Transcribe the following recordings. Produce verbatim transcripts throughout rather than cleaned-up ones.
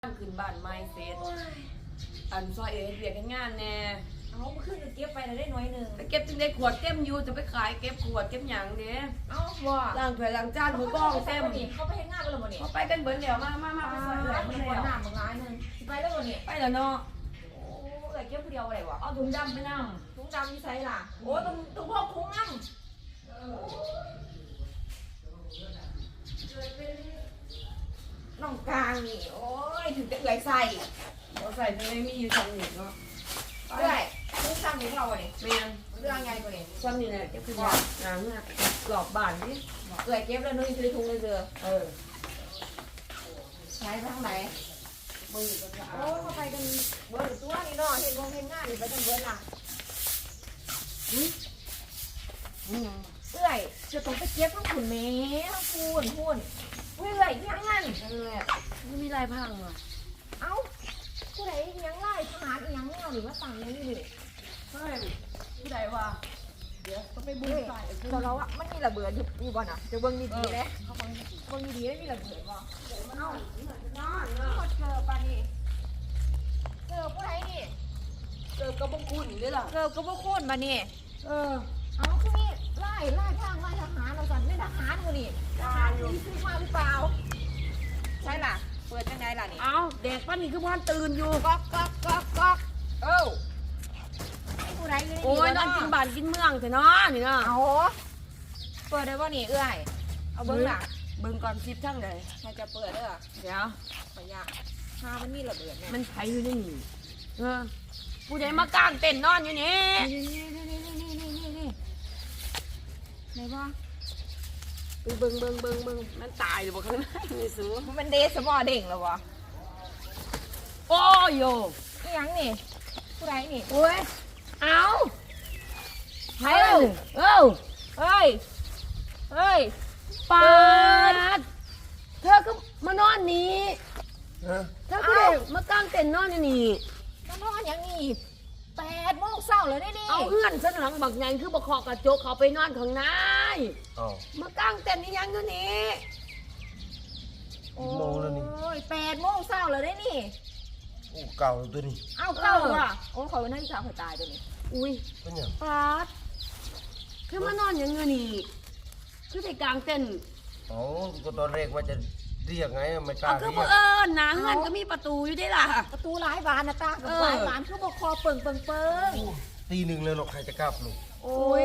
ขึ้นบ้านไม้เสร็จอันซอยเอ๋เรียกงานแน่เอาเมื่อคืนก็เก็บไปได้น้อยหนึ่งไปเก็บจึงได้ขวดเต็มอยู่จะไปขายเก็บขวดเก็บหยังเด้เอาว่าล้างถ้วยล้างจานมือกล้องเต็มเขาไปเห็นงานกันแล้ววันนี้เขาไปกันเบิดแล้วมามามาไปซอยเอ๋ไปคนแล้วหน้ามึงร้ายนึงไปแล้ววันนี้ไปแล้วเนาะโอ้เอ๋เก็บคนเดียวอะไรวะเอาถุงดำไปนั่งถุงดำมีไซส์ล่ะโอ้ตุ้งตุ้งพกถุงนั่งน้องกลางนี่โอ้ยถึงจะเอื่อยใส่เราใส่จะได้มีอยู่สองหนึ่งเนาะเอื่อยทุกซ้ำของเราเนี่ยแมนเรื่องไงกว่านี้ซ้ำนี่แหละเก็บขึ้นมาหนังอ่ะกรอบบ้านนี่เอื่อยเก็บแล้วนุ้ยซื้อถุงเลยเจอเออใช้ทางไหนมือกันจะโอ้เขาไปกันเบิร์ดตัวนี่เนาะเห็นวงเห็นงานนี่ไปกันเบิร์ดล่ะอืมเอื่อยจะต้องไปเก็บทั้งขุนเมย์ทั้งพูนพูนเอื่อยยังงั้นเออไม่มีลายพังอ่ะเอ้าผู้ใดยังไล่ทหารยังเงาหรือว่าต่างยังนี่เลยเฮ้ยผู้ใดวะเดี๋ยวต้องไปบุญใส่เราเราอะมันมีระเบิดอยู่อยู่บ่น่ะจะเบิ่งดีๆเลยเบิ่งดีๆไม่มีระเบิดบ่เอ้าน้อนน้อนเจอปานี่เจอผู้ใดนี่เกิดกระบอกคุณนี่หรอเจอกับพวกคนมานี่เออเอาคือนี่ไล่ไล่ทางไล่ทหารเราสั่นไม่ทหารกูนี่ทหารมีซื้อมาหรือเปล่าใช่ล่ะเปิดจังไงล่ะนี่เอาเด็กป้านี่คือบ้านตื่นอยู่ก๊อกก๊อกก๊อกก๊อกเอ้าไอ้ผู้ใดอยู่นี่โอ้ยนอนกินบ้านกินเมืองเถอะเนาะนี่เนาะเอาเปิดได้ป่ะนี่เอื้อยเอาเบิ้งล่ะเบิ่งก่อนซิปทั้งเลยใครจะเปิดเด้อเดี๋ยวขอยากถ้ามันมีระเบิดเนี่ยมันไผอยู่ในนี่เออผู้ใดมากางเต็นท์นอนอยู่นี่นี่นี่นี่นี่นี่นี่นี่ไหนบ้างไปเบิ่งเบิ่งเบิ่งเบิ่งมันตายหรือเปล่าข้างในนี่สูมันเดสมอเด้งแล้ววะโอ้ยโยนี่ยังนี่ผู้ใดนี่โอ้ยเอาไผเอ้าเอ้าเฮ้ยเฮ้ยปาดเธอก็มานอนนี่เธอก็ได้มากางเต็นท์นอนอยู่นี่มานอนอย่างนี้แปดโมงเช้าเลยได้ดิเอาเอื้อนฉันหลังบักไงคือบักคอกระจกเขาไปนอนข้างในมากางเต็นท์นี่ยังอยู่นี่โอ้ยแปดโมงเช้าเลยได้นี่โอ้เก่าตัวนี้เอาเก่าอ่ะโอ้เขาเป็นนักศึกษาเขาตายตัวนี้อุ้ยเป็นยังปาดคือมานอนอย่างเงี้ยนี่คือไปกางเต็นท์อ๋อก็ตอนแรกว่าจะเรียกไงไม่กล้าเรียกคือเอิญนะเงินก็มีประตูอยู่ได้ล่ะประตูหลายบานนะตาหลายบานคือบอกคอเปิงเปิงเปิงตีหนึ่งเลยหรอกใครจะกล้าปลุกโอ้ย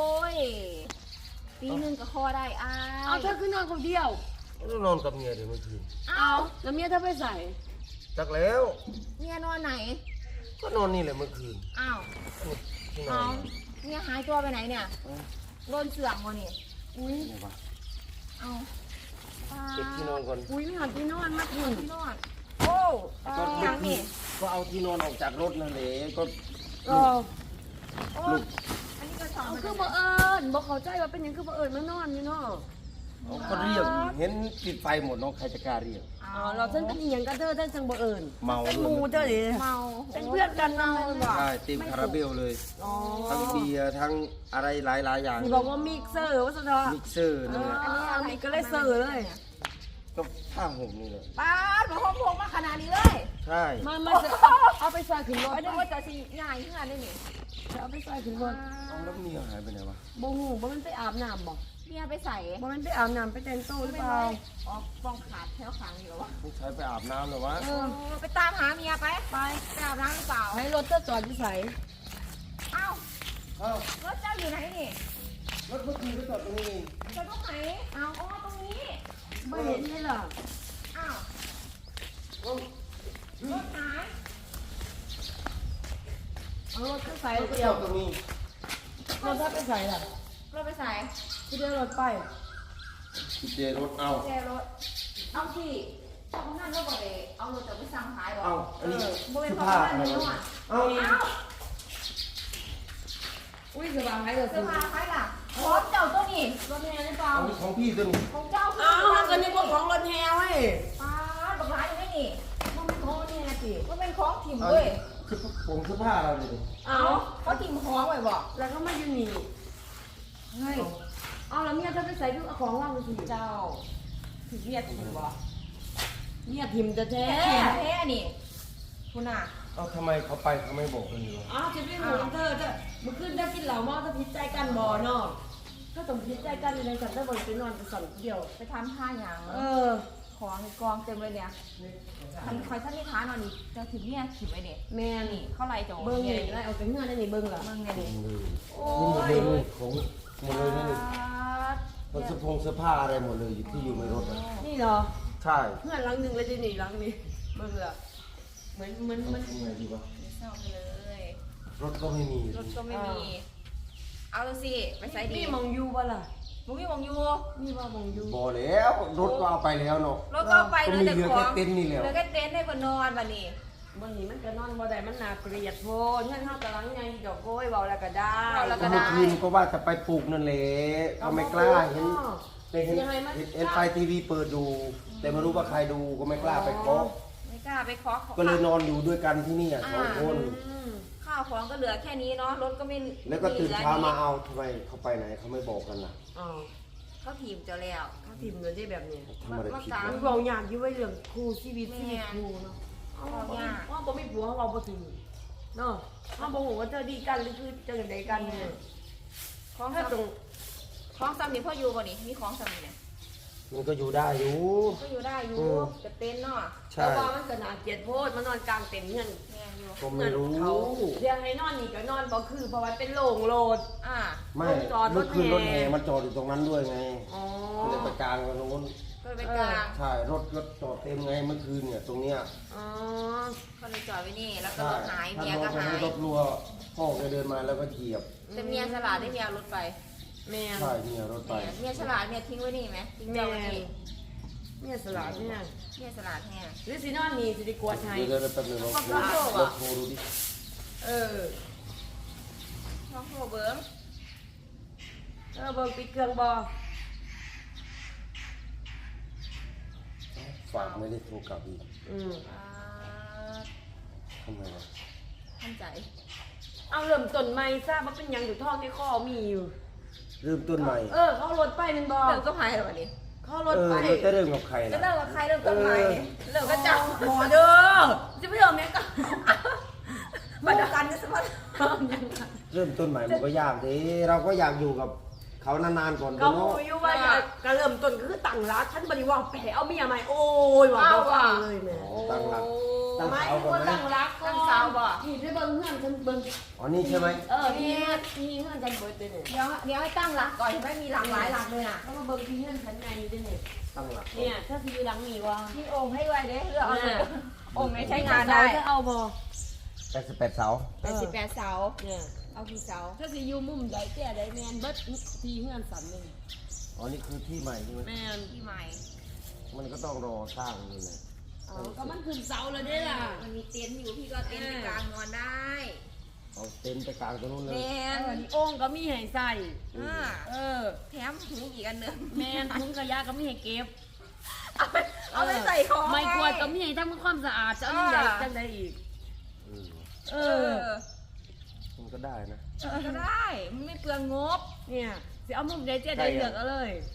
ตีหนึ่งก็คอได้อ้าเอาเธอคือนอนคนเดียวแล้วนอนกับเมียเดี๋ยวเมื่อคืนเอาแล้วเมียเธอไปใส่จักแล้วเมียนอนไหนก็นอนนี่แหละเมื่อคืนอ้าวที่นอเอานเมียหายตัวไปไหนเนี่ยโดนเสื่อมวะนี่อุ้ยเอาเก็บที่นอนก่อนอุ้ยไม่หันที่นอนมากที่นอนโอ้ยังนี่ก็เอาที่นอนออกจากรถนั่นแหละก็ก็ลูกอันนี้ก็สองคือบ่เอิญบอกเขาใจว่าเป็นยังคือบ่เอิญมานอนอยู่เนาะก็เรียกเห็นปิดไฟหมดน้องใครจะกล้าเรียกอ๋อเราฉันเป็นอย่างกันเธอท่านจังบ่เอิญเมาเป็นมูเธอดิเมาเป็นเพื่อนกันเนาะใช่เต็มคาราเบลเลยทั้งเบียร์ทั้งอะไรหลายๆอย่างบอกว่ามิกเซอร์ว่าสุดยอดมิกเซอร์นี่อันนี้อันนี้ก็เลยเซอร์เลยก็ผ้าห่มนี่เลยป้าหนูห้องพงมาขนาดนี้เลยใช่มามาเอาไปใส่ขึ้นรถไม่ได้ว่าจะสิง่ายขึ้นได้นี่เอาไปใส่ขึ้นรถเอาแล้วเมียหายไปไหนวะบ่หูบ่มันไปอาบน้ำบ่เมียไปใส่บ่มันไปอาบน้ำไปแต่งตัวหรือเปล่าอ๋อฟองขาดแถวขางอยู่วะต้องใช้ไปอาบน้ำเหรอวะเออไปตามหาเมียไปไปไปอาบน้ำหรือเปล่าให้รถเธอจอดที่ใส่เอ้ารถเจ้าอยู่ไหนนี่รถเมื่อคืนไปจอดตรงนี้จอดตรงไหนเอาอ๋อตรงนี้ไม่เห็นเลยเหรออ้าวรถหายเอารถไปใส่เดียวตรงนี้รถถ้าไปใส่ล่ะรถไปใส่ที่เดียวรถไปเจรถเอาเจรถเอาที่ตรงนั้นเราบอกเลยเอารถจะไปสั่งขายหรอเอาอันนี้โมเป็นของบ้านนี่หน่อยเอาอุ้ยเสื้อผ้าใครเหรอเสื้อผ้าใครล่ะของเจ้าตัวนี้รถแฮหรือเปล่าของพี่ตัวนี้ของเจ้าอ้าวก็นึกว่าของรถแฮเว้ยป้าบักร้ายยังไงนี่มันเป็นของรถแฮสิมันเป็นของถิ่มเว้ยคือผมเสื้อผ้าเราเลยเอาเขาถิ่มของไว้บอกแล้วก็มาอยู่นี่เฮ้ยเอาแล้วเมียเธอไปใส่ดูเอาของว่างไปสิเจ้าถึงเมียถิ่มบอกเนี่ยทิมจะแท้แท้แท้นี่คุณอ่ะเอ้าทำไมเขาไปเขาไม่บอกกันอยู่วะอ้าวจะไม่หมูเธอจะมื่อคืนได้กินเหล้าเมาถ้าพิษใจกันบ่เนาะถ้าต้องพิษใจกันในสันถ้าบ่ไปนอนไปสั่นเดียวไปทำท่าอย่างเออของในกองเต็มเลยเนี่ยทันคอยท่านที่ท้านอนนี่เจ้าถึงเนี่ยขิมไว้เนี่ยแม่นนี่เข้าไรจงเบิ่งนี่ได้เอาแต่เงื่อนได้นี่เบิ่งล่ะเบิ่งเนี่ยนี่โอ้นี่หมดยเลยของหมดเลยนะนี่มันเสื้อผงเสื้อผ้าอะไรหมดเลยอยู่ที่อยู่ในรถอะนี่เหรอใช่เงื่อนหลังหนึ่งเลยจะหนีหลังนี้เบิ่งล่ะเหมือนเหมือนมันทำไงดีวะเศร้าไปเลยรถก็ไม่มีรถก็ไม่มี เอาดูสิไปใส่ดีนี่มองอยู่บ่ล่ะมึงมีมองอยู่นี่ว่ามองอยู่บอแล้วรถก็เอาไปแล้วเนาะรถก็ไปก็เลยมีแต่เหลือของแค่เต็นท์นี่แหละเหลือแค่เต็นท์ให้คนนอนวันนี้บางนี้มันก็นอนบ่ได้มันน่าเกลียดโพดเงื่อนเฮากำลังไงดอกโก้ยเว้าแล้วก็ได้เว้าแล้วก็ก็ได้เมื่อคืนก็ว่าจะไปปลูกนั่นแหละก็ไม่กล้าเห็นเห็นยังไงมันเห็นเห็นไฟทีวีเปิดดู แต่ไม่รู้ว่าใครดูก็ไม่กล้าไปเคาะไม่กล้าไปเคาะก็เลยนอนอยู่ด้วยกันที่นี่อ่ะสองคนอืมข้าวของก็เหลือแค่นี้เนาะรถก็ไม่แล้วก็ตื่นเช้ามาเอาเอาทำไมเขาไปไหนเขาไม่บอกกันล่ะอ๋อเขาถีบเจ้าแล้วถ้าทีมเงินได้แบบนี้ทำอะไรผิดมัวะนเว้าหยากอยู่ไว้เรื่องครูชีวิตชีวิตครูเนาะเอายากว่าบ่มีผัวเขาเว้าบ่ถึงเนาะเฮาบ่ฮู้ว่าเจอดีกันหรือคือเจอกันใดกันเนี่ยของถ้าตรงของซ้ำนี่พ่ออยู่บ่นี่มีของซ้ำนี่เนี่ยมันก็อยู่ได้อยู่ก็อยู่ได้อยู่อืมจะเต็นท์เนาะใช่แต่ว่ามันก็น่าเกลียดโพดมันนอนกลางเต็นท์เงินแม่อยู่ก็ไม่รู้เขาเรียกให้นอนนี่ก็นอนบ่คือเพราะว่าเป็นโล่งโลดอ่าไม่ลงจอดรถเมื่อคืนรถแห่แห่มันจอดอยู่ตรงนั้นด้วยไงอ๋อก็เลยไปกลางกันตรงนู้นก็เลยไปกลางใช่รถรถจอดเต็มไงเมื่อคืนเนี่ยตรงเนี้ยอ๋อก็เลยจอดไว้นี่แล้วก็ใช่รถหายถ้าเมียน้ก็องไปหาให้ยรถรัวพ่อแกเดินมาแล้วก็เหยียบแต่เมียฉลาดได้เมียเอารถไปแม่นใช่เนี่ยรถไปเมียฉลาดเมียทิ้งไว้นี่ไหมทิ้งแม่เจ้าไว้นนี่แม่สลัดเนี่ยเมียฉลาดแน่หรือสินอนนี่สิได้กวดให้เดี๋ยวเดี๋ยวแป๊บนึงลองโทรขอบคุณลองโทรดูดิเออลองโทรเบิ้งเออเบิ่งปิดเครื่องบ่ฝากไม่ได้โทรกลับอีกอืมอ่าทำไมวะท่านใจเอาเริ่มต้นใหม่ทราบว่าเป็นหยังอยู่ท้องในคอมีอยู่เริ่มต้นใหม่เออเขารถไปแมันบ่เริ่มก็พายแล้ววันนี้เขารเอถอไปมันจะเริ่มกับใครจะล่ะเริ่มกับใครเริ่มต้นใหม่เออเริ่มก็จับหมอเด้อจะไม่ยอมแม่ก็มาดูกันจะสมัครเริ่มต้นใหม่มันก็ยากดิเราก็อยากอยู่กับเขานานๆก่อนก็เนาะหูอยู่ว่าก็ก็เริ่มต้นก็คือตั้งรักฉันบ่ได้ว่าไปเอาเมียใหม่โอ้ยว่าบ่ฟังเลยแม่ตั้งหลักตั้งไม่เสาก่อนว่าไหมตั้งรักตั้งเสาบ่ที่ได้เบิ่งเฮือนฉันเบิ่งอ๋อนี่ใช่ไหมเออที่เฮือนที่เฮือนฉันเบิดเด้เนี่ยเดี๋ยวเดี๋ยวให้ตั้งหลักก่อนไม่มีหลักหลายหลักเลยน่ะแล้วมาเบิ่งที่เฮือนฉันไงอยู่เด้เนี่ยตั้งหลักก่อนเนี่ยถ้าสิอยู่หลังนี่ว่ามีองค์ให้ด้วยเด้เลือกเอาเลยองค์ไหนใช้งานได้จะเอาบ่แปดสิบแปดเสาแปดสิบแปดเสาเนี่ยเอากี่เสาถ้าสิอยู่มุมใดแก่ใดแม่นเบิดที่เฮือนสันหนึงอ๋อนี่คือที่ใหม่ใช่ไหมแม่นที่ใหม่มันก็ต้องรอสร้างนี่แหละอ๋อก็มันขึ้นเสาแล้วเด้ล่ะมันมีเต็นท์อยู่พี่ก็เต็นท์ไปกลางนอนได้เอาเต็นท์ไปกลางตรงนู้นเลยแมเออน นี่โอ่งก็มีให้ใส่อ่าเออแถมถุงอีกอันหนึ่งแม่นถุงขยะก็มีให้เก็บเอาไปเอาไปใส่ของไม่กวาดก็มีให้ทำความสะอาดจะเอาใหญ่จังไดอีกอืมเอเอออมันก็ได้นะก็ได้ มันไม่เปลืองงบเนี่ยสิเอามุมใดเจ๊ได้เลือกเอาเลย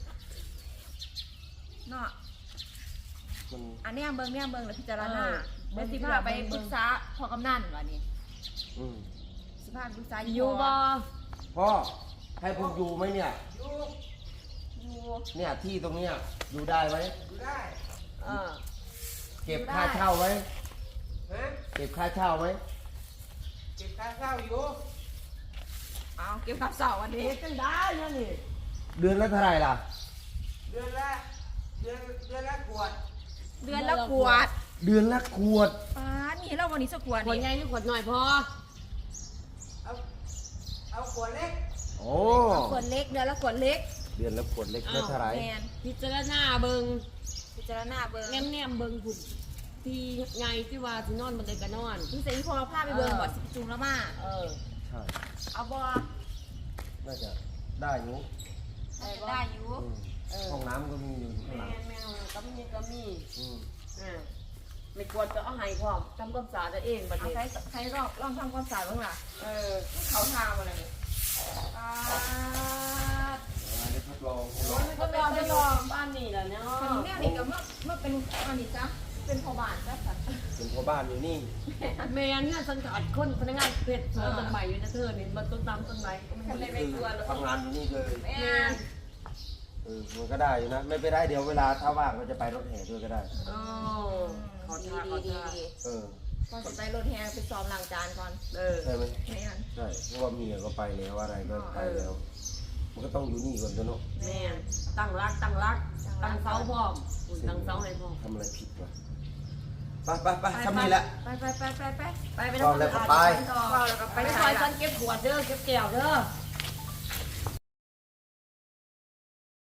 เนาะมันอันเนี้ยเบิ้งเนี่ยเบิ้งแล้วพิจารณาเออเบิ้งสิพาไปปรึกษาพอกำนันวะนี่อืมสิพาปรึกษาอยู่บ่พ่อให้ผมอยู่ไหมเนี่ยอยู่เนี่ยที่ตรงเนี้ยอยู่ได้ไหมเออเก็บค่าเช่าไหมเก็บค่าเช่าไหมเก็บค่าเช่าอยู่เอาเก็บกับเสาวันนี้เฮ็ดจังได้เนี่ยนี่เดือนละเท่าไหร่ล่ะเดือนละเดือนเดือนละขวดเดือนละขวดเดือนละขวดป้านี่เราวันนี้สักขวดขวดใหญ่นี่หรือขวดน้อยพอเอาเอาขวดเล็กโอ้ขวดเล็กเดือนละขวดเล็กเดือนละขวดเล็กได้เท่าไหร่แมนพิจารณาเบิ่งพิจารณาเบิ้งแนมๆเบิ่งพุ่นที่ใหญ่ที่ว่าสินอนบนใดก็นอนพี่เสรีพอพาไปเบิ้งบ่สิบจุงแล้วมาเออใช่เอาบ่น่าจะได้อยู่ได้อยู่อืมเออห้องน้ำก็มีอยู่ข้างหลังแม่แมวก็มีก็มีอืมอ่าไม่กวดก็เอาให้พร้อมทำความสะอาดตัวเองบัดเอานี้ใครใครลองลองทำความสะอาดบ้างล่ะเออเขาทาอะไรเนี่ยอ่าอันนี้ทดลองทดลองมันก็ลองไปลองบ้านนี่แหละเนาะคนนี้นี่ก็เมื่อเมื่อเป็นอันนี้จ้ะเเป็นพ่อบ้านจ้ะสัตว์เป็นพ่อบ้านอยู่นี่แม่เนี่ยสังกัดคนพนักงานเพชรสวนต้นใหม่อยู่นะเธอนี่มันต้นตามต้นไม้ก็ไม่ทำไมได้ไม่กลัวหรอทำงานอยู่นี่เลยแม่เออมันก็ได้อยู่นะ ไม่ไปได้เดี๋ยวเวลาถ้าว่างก็จะไปรถแห่ด้วยก็ได้อ๋อขอดีทานขดีอดีทานดีเออก่อนจะไปรถแห่ไปซ้อมล้างจานก่อนเออใช่ไหมไม่งั้นใช่เพราะว่าเมียก็ไปแล้วอะไรก็ไปแล้ว มันก็ต้องอยู่นี่ก่อนตัวเนาะแม่ตั้งรักตั้งรักตั้งเสาพร้อมคุณตั้งเสาให้พร้อมทำอะไรผิดวะไปไปไปทำนี่แหละไปไปไปไปไปไปไปพร้อมแล้วก็ไปต่อแล้วก็ไปไปซซออย ยฉันเก็บขวดเด้อเก็บแก้วเด้อ